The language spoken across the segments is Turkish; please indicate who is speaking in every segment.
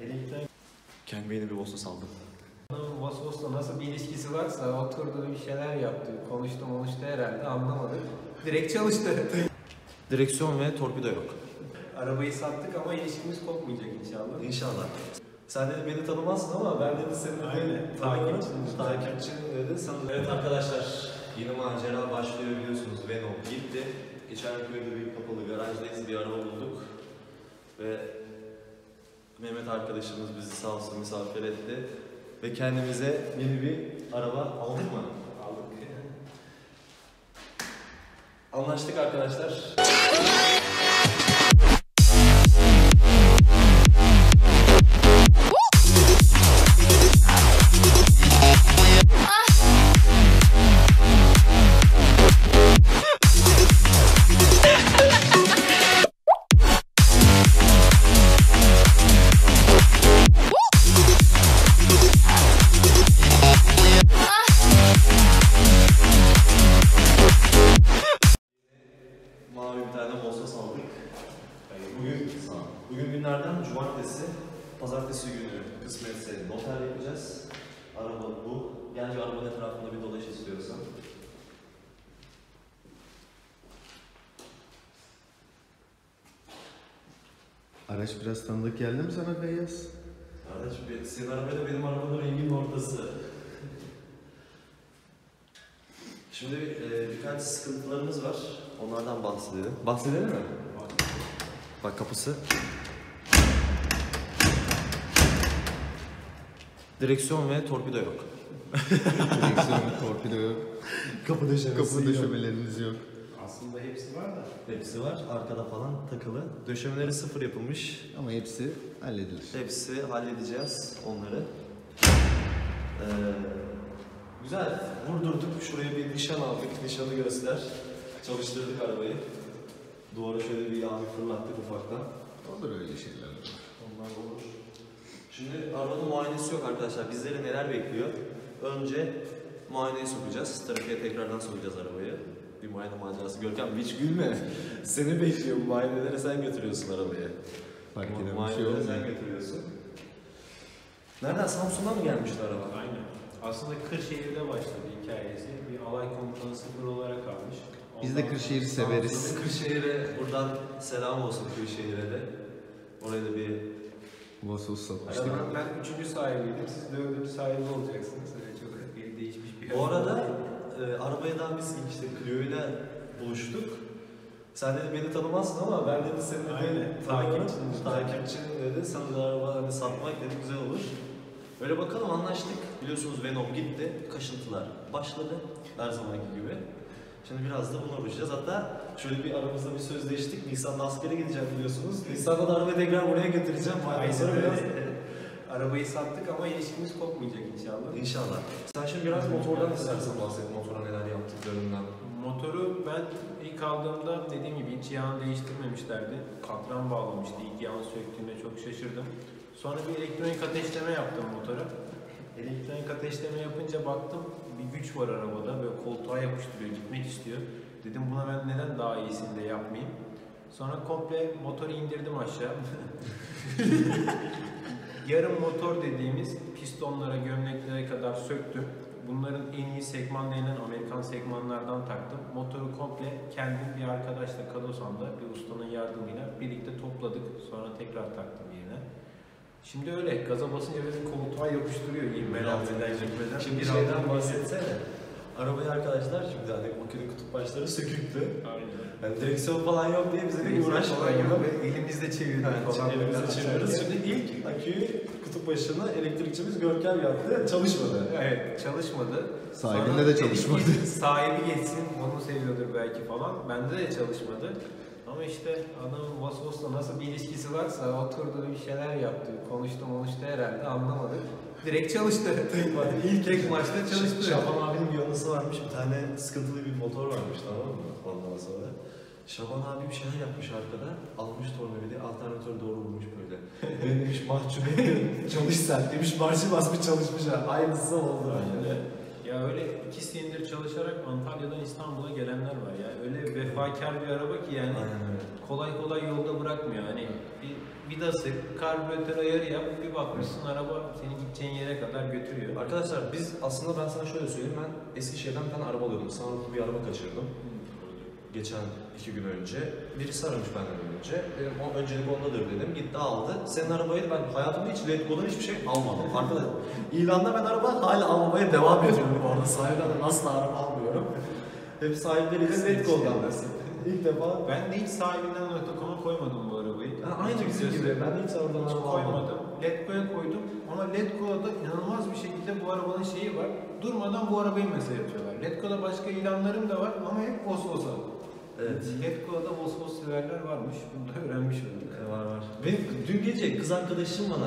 Speaker 1: Elektronik.
Speaker 2: Kendime yeni bir Vosos aldım.
Speaker 1: Vasos'la nasıl bir ilişkisi varsa oturdu bir şeyler yaptı. Konuştu herhalde anlamadık. Direkt çalıştı.
Speaker 2: Direksiyon ve torpido yok.
Speaker 1: Arabayı sattık ama ilişkimiz kopmayacak inşallah.
Speaker 2: İnşallah. Sen dedi beni tanımazsın ama ben dedi seni de takipçin dedi. Evet arkadaşlar, yeni macera başlıyor biliyorsunuz. Venom gitti. İçeriköy'de bir kapalı garajdayız, bir araba bulduk. Ve Mehmet arkadaşımız bizi sağ olsun misafir etti. Ve kendimize yeni bir araba aldık mı?
Speaker 1: Aldık.
Speaker 2: Anlaştık arkadaşlar. Bugün günlerden cumartesi, pazartesi günü kısmetse noter yapacağız. Araba bu. Gel şu arabanın etrafında bir dolaş istiyorsan.
Speaker 3: Araç biraz tanıdık geldi mi sana Feyyaz?
Speaker 2: Araç, senin arabayla benim arabanın renginin ortası. Şimdi birkaç sıkıntılarımız var. Onlardan bahsedelim. Bahsedelim mi? Bak kapısı. Direksiyon ve torpido yok.
Speaker 3: Direksiyon, torpido yok.
Speaker 2: Kapı
Speaker 3: döşemeleriniz yok.
Speaker 1: Aslında hepsi var da.
Speaker 2: Hepsi var. Arkada falan takılı. Döşemeleri sıfır yapılmış.
Speaker 3: Ama hepsi halledilir.
Speaker 2: Hepsi halledeceğiz onları. Güzel. Vurdurduk. Şuraya bir nişan aldık. Nişanı göster. Çalıştırdık arabayı. Duvara şöyle bir yağ fırlattık ufaktan.
Speaker 3: Olur öyle şeyler.
Speaker 2: Onlar olur. Şimdi arabanın muayenesi yok arkadaşlar. Bizleri neler bekliyor? Önce muayeneye sokacağız. Trafiğe tekrardan sokacağız arabayı. Bir muayene macerası. Görkem hiç gülme. Seni bekliyor. Muayenelere sen götürüyorsun arabayı.
Speaker 3: Fark eden bir şey
Speaker 2: Muayenelere
Speaker 3: olmuyor.
Speaker 2: sen götürüyorsun. Nereden? Samsun'dan mı gelmişti araba?
Speaker 1: Aynen. Aslında Kırşehir'de başladı hikayesi. Bir alay komutanı sıfır olarak almış.
Speaker 3: Biz de Kırşehir'i severiz.
Speaker 2: Biz Kırşehir'e buradan selam olsun Kırşehir'e de. Oraya da bir...
Speaker 3: Vosos satmıştık.
Speaker 1: Ben 3. sahibiydim. Siz 4. sahibi olacaksınız. Öyle çok bir değişmiş bir
Speaker 2: Bu arada arabadan biz işte Clio'yla buluştuk. Sen dedi beni tanımazsın ama ben dedi seni dedi takipçin dedi. Sana da araba hani satmak dedi güzel olur. Böyle bakalım anlaştık. Biliyorsunuz Venom gitti. Kaşıntılar başladı. Her zamanki gibi. Şimdi biraz da bununla uğraşacağız. Hatta şöyle bir aramızda bir sözleştik. Nisan'da askere gideceğim biliyorsunuz. Nisan'da da arabayı tekrar buraya getireceğim.
Speaker 1: Aynen öyle. Arabayı sattık ama ilişkimiz kopmayacak inşallah.
Speaker 2: İnşallah. Sen şimdi biraz motordan istersen bahset. Motora neler yaptıklarından.
Speaker 1: Motoru ben ilk aldığımda dediğim gibi hiç yağını değiştirmemişlerdi. Katran bağlamıştı. İlk yağını söktüğümde çok şaşırdım. Sonra bir elektronik ateşleme yaptım motora. Elektronik ateşleme yapınca baktım bir güç var arabada. Böyle koltuğa yapıştırıyor, gitmek istiyor. Dedim buna ben neden daha iyisini de yapmayayım. Sonra komple motoru indirdim aşağı. Yarım motor dediğimiz pistonlara, gömleklere kadar söktüm. Bunların en iyi segman denilen Amerikan segmanlardan taktım. Motoru komple kendim bir arkadaşla Kadosan'da bir ustanın yardımıyla birlikte topladık. Sonra tekrar taktım yerine. Şimdi öyle gaza basınca böyle koltuğa yapıştırıyor ivmeden gitmeden.
Speaker 2: Şimdi şeyden bahsetsene. Arabayı arkadaşlar şimdi hani makine kutup başları söküktü.
Speaker 1: Aynen.
Speaker 2: Yani direksiyon falan yok diye bize bir uğraş falan yok.
Speaker 1: Elimizde çeviriyoruz.
Speaker 2: Elimizde çeviriyoruz. Şimdi ilk aküyü kutup başına elektrikçimiz Görkem yaptı. Çalışmadı.
Speaker 1: Evet, çalışmadı.
Speaker 3: Sahibinde de çalışmadı.
Speaker 1: Sahibi geçsin, onu seviyordur belki falan. Bende de çalışmadı. Ama işte adamın Vasos'la nasıl bir ilişkisi varsa oturdu bir şeyler yaptı. Konuştu herhalde anlamadık. Direkt çalıştı. İlk maçta çalıştı.
Speaker 2: Şaban abinin bir yanısı varmış. Bir tane sıkıntılı bir motor varmış tamam mı? Ondan sonra. Şaban abi bir şeyler yapmış arkada. Almış tornavidi, alternatörü doğru vurmuş böyle. Ben demiş mahcup ediyorum. Çalış sen demiş, marşı basmış çalışmış ha. Aynısı oldu.
Speaker 1: Aynen. Ya öyle 2 senedir çalışarak Antalya'dan İstanbul'a gelenler var ya. Öyle vefakar bir araba ki yani kolay kolay yolda bırakmıyor. Hani bir vidası, karbüratör ayarı yap, bir bakmışsın araba seni gideceğin yere kadar götürüyor.
Speaker 2: Arkadaşlar biz aslında ben sana şöyle söyleyeyim, ben Eskişehir'den bir tane araba alıyordum. Sanırım bir araba kaçırdım. Geçen 2 gün önce. Birisi aramış benden önce. Dedim o öncelik ondadır dedim. Gitti aldı. Senin arabayı ben hayatımda hiç Letgo'dan hiçbir şey almadım. Arkadaşlar ilanda ben araba hala almamaya devam ediyorum bu arada. Sahibden de asla araba almıyorum. Hep sahipleriyle Letgo'dan. İlk defa.
Speaker 1: Ben de hiç sahibinden .com'a koymadım bu arabayı.
Speaker 2: Aynı bizim gibi. Ben de hiç oradan
Speaker 1: Hiç
Speaker 2: araba
Speaker 1: koymadım.
Speaker 2: almadım.
Speaker 1: Letgo'ya koydum ama Letgo'da inanılmaz bir şekilde bu arabanın şeyi var. Durmadan bu arabayı mesaj yapıyorlar. Letgo'da başka ilanlarım da var ama hep Vosvos'a.
Speaker 2: Evet.
Speaker 1: Letgo'da Vosvos severler varmış. Bunu da öğrenmiş olduk.
Speaker 2: Var. Benim dün gece kız arkadaşım bana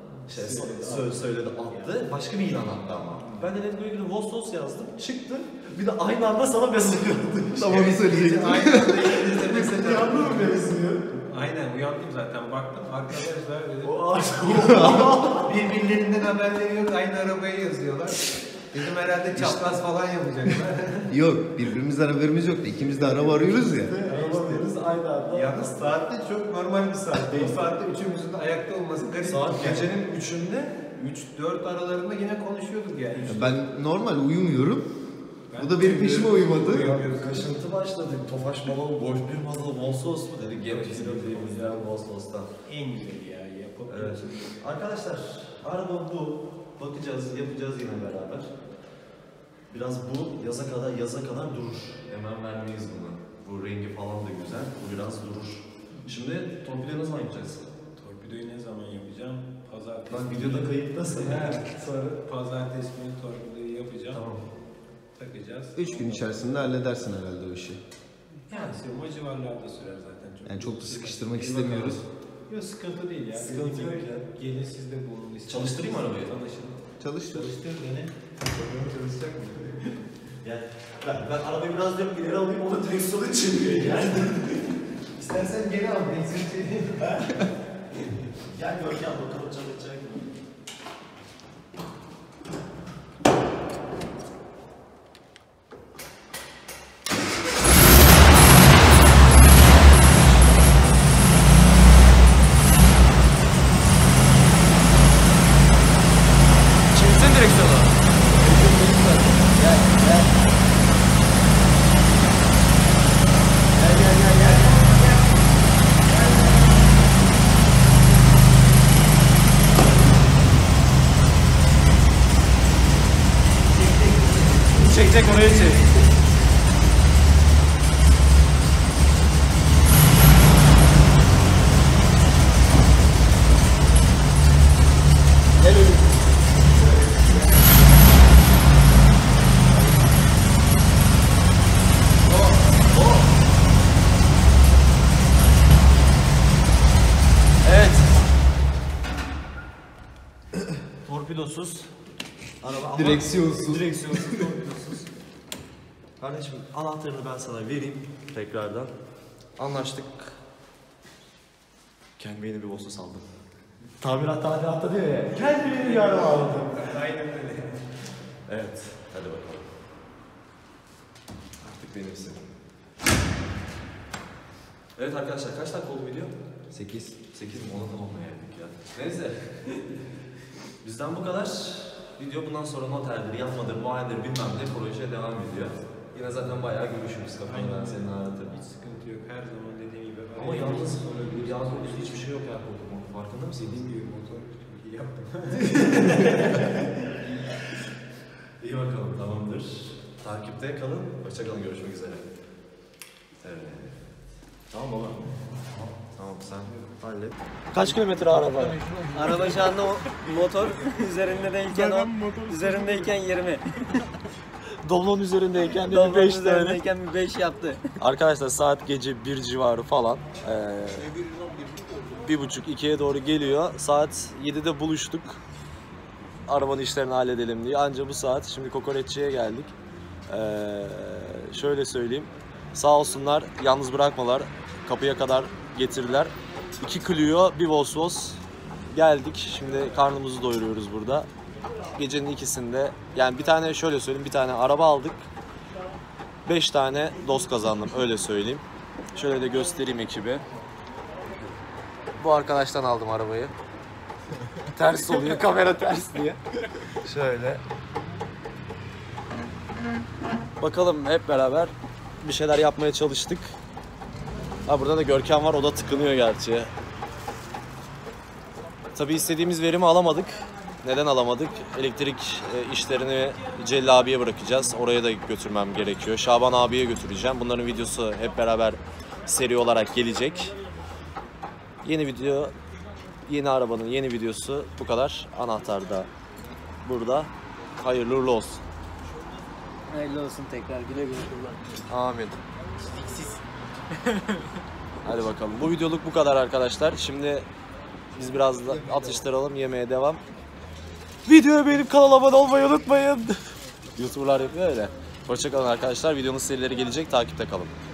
Speaker 2: söyledi, attı. Başka bir ilan attı ama. Ben de Letgo'ya girdim, Vosvos yazdım. Çıktı. Bir de aynı anda sana mesaj gördüm.
Speaker 3: Tam onu söyleyecektim.
Speaker 1: Aynı anda elinizde mesaj
Speaker 2: Yandı mı mevzuyu?
Speaker 1: Aynen uyandım zaten baktım arkadaşlar dedim.
Speaker 2: O ağaç.
Speaker 1: Birbirlerinden haberleri yok aynı arabaya yazıyorlar. Dedim herhalde çapraz falan yapacaklar.
Speaker 3: Yok, birbirimizden haberimiz yoktu. İkimiz de araba arıyoruz ya.
Speaker 2: Araba veririz aynı anda.
Speaker 1: Yalnız saatte çok normal bir saat. O saatte üçümüzün de ayakta olması garip.
Speaker 2: Saat gecenin 3'ünde
Speaker 1: 3-4 aralarında yine konuşuyorduk yani.
Speaker 3: Ben normal uyumuyorum. Bu da benim peşime uyumadı.
Speaker 2: kaşıntı başladı. Tofaş balonu, boş bir balonu, Vosvos mu dedik. Gene çizildiğimizden Vosvos'tan.
Speaker 1: En güzeli ya yapıp.
Speaker 2: Evet. Arkadaşlar araba bu. Bakacağız, yapacağız yine beraber. Biraz bu yaza kadar durur. Hemen vermeyiz bunu. Bu rengi falan da güzel. Bu biraz durur. Şimdi torpidoyu ne zaman yapacağız?
Speaker 1: Torpidoyu ne zaman yapacağım? Pazartesi.
Speaker 2: Lan videoda kayıttasın.
Speaker 1: Sonra pazartesi günü torpidoyu yapacağım.
Speaker 2: Tamam.
Speaker 1: Takacağız.
Speaker 3: 3 gün içerisinde halledersin herhalde o işi.
Speaker 1: Yani o civarlarda sürer zaten.
Speaker 3: Yani çok da sıkıştırmak istemiyoruz.
Speaker 1: Yok sıkıntı değil ya.
Speaker 2: Sıkıntı yok ya.
Speaker 1: Gelin siz de bulun.
Speaker 2: Çalıştırayım mı arabayı?
Speaker 1: Tanışın.
Speaker 3: Çalıştır.
Speaker 1: Çalıştır dene. Çalışacak mı?
Speaker 2: Yani ben arabayı biraz da ileri alayım, o da direksiyonu çeviriyor yani.
Speaker 1: İstersen geri al. Ben seni çekeyim.
Speaker 2: Gel Görkem bakalım çalışacak mı? Çevirsen direksiyonu. Çek oraya çek. Gel öyle. Evet. Torpidosuz. Araba ama
Speaker 3: Direksiyonsuz.
Speaker 2: direksiyonsuz, torpidosuz. Kardeşim anahtarını ben sana vereyim tekrardan. Anlaştık. Kendime yeni bir Vosvos aldım. Tamilatta diyor ya. Kendime yeni bir araba aldım.
Speaker 1: Aynen öyle.
Speaker 2: Evet. Hadi bakalım. Artık benimsin. Evet arkadaşlar kaç dakika oldu video?
Speaker 3: 8.
Speaker 2: 8 mi? Ona tamamlayaydık ya. Neyse. Bizden bu kadar. Video bundan sonra noterdir, yapmadır, muayenedir bilmem ne projeye devam ediyor. Yine zaten bayağı görüşürüz kafanı ben senin ağrıtırım.
Speaker 1: Hiç sıkıntı yok. Her zaman dediğim gibi.
Speaker 2: Ama yalnız hiçbir şey yok ya koltuğum. Farkında mısın?
Speaker 1: Dediğim gibi motor çok iyi yaptım.
Speaker 2: İyi bakalım tamamdır. Takipte kalın. Hoşça kalın, görüşmek üzere. Evet. Tamam baba. Tamam sen hallet. Kaç kilometre araba?
Speaker 4: Araba şu anda motor üzerindeyken 10, üzerindeyken 20.
Speaker 2: Doblon üzerindeyken de
Speaker 4: Doblon
Speaker 2: 5 tane.
Speaker 4: üzerindeyken bir 5 yaptı.
Speaker 2: Arkadaşlar saat gece 1 civarı falan. 1.30-2'ye doğru geliyor. Saat 7'de buluştuk. Arabanın işlerini halledelim diye. Anca bu saat. Şimdi kokoreççiye geldik. Şöyle söyleyeyim. Sağ olsunlar, yalnız bırakmalar. Kapıya kadar getirdiler. 2 Clio, bir Vosvos. Geldik. Şimdi karnımızı doyuruyoruz burada. gecenin ikisinde, yani bir tane şöyle söyleyeyim, bir tane araba aldık. 5 tane dost kazandım, öyle söyleyeyim. Şöyle de göstereyim ekibe. Bu arkadaştan aldım arabayı. Ters oluyor, kamera ters diye. Şöyle. Bakalım, hep beraber bir şeyler yapmaya çalıştık. Ha, burada da Görkem var, o da tıkınıyor gerçi. Tabii istediğimiz verimi alamadık. Neden alamadık? Elektrik işlerini Celil abiye bırakacağız. Oraya da götürmem gerekiyor. Şaban abiye götüreceğim. Bunların videosu hep beraber seri olarak gelecek. Yeni video, yeni arabanın yeni videosu bu kadar. Anahtar da burada. Hayırlı uğurlu olsun.
Speaker 4: Hayırlı olsun tekrar, güle güle kullan.
Speaker 2: Amin. Hadi bakalım. Bu videoluk bu kadar arkadaşlar. Şimdi biz biraz da atıştıralım, yemeğe devam. Videoya beğenip kanala abone olmayı unutmayın. YouTuber'lar yapıyor öyle. Hoşça kalın arkadaşlar. Videonun serileri gelecek. Takipte kalın.